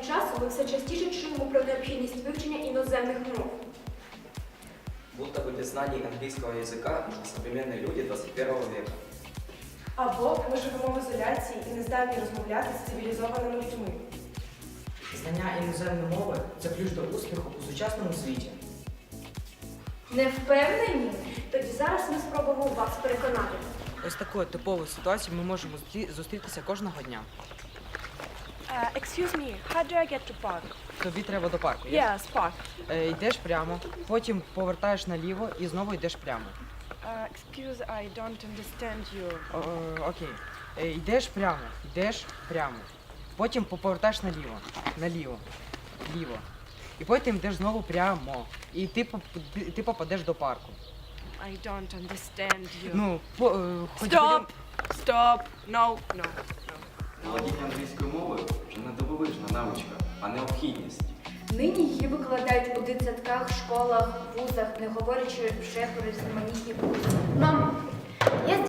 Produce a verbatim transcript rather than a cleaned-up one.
часу ми все частіше чуємо про необхідність вивчення іноземних мов. Будто бы без знаний английского языка мы современные люди двадцять першого века. Або ми живемо в ізоляції і не здатні розмовляти з цивілізованими людьми. Знання іноземної мови – це ключ до успіху у сучасному світі. Не впевнені? Тоді зараз ми спробуємо вас переконати. Ось такою типовою ситуацією ми можемо зустрі- зустрітися кожного дня. Uh, excuse me, how do I get to park? Тобі треба до парку. є? Yes, park. Е, йдеш прямо, потім повертаєш наліво і знову йдеш прямо. Uh, excuse, I don't understand you. О, о, окей. Е, йдеш прямо, йдеш прямо. Потім повертаєш наліво, наліво, ліво. І потім йдеш знову прямо. І ти, поп- ти, ти попадеш до парку. I don't understand you. Ну, по, е, хоч Stop! Stop! No, no, no. Володіння англійською мовою вже не дивовижна навичка, а необхідність. Нині її викладають у дитсадках, школах, вузах, не говорячи вже про різноманітні курси. Мамо, я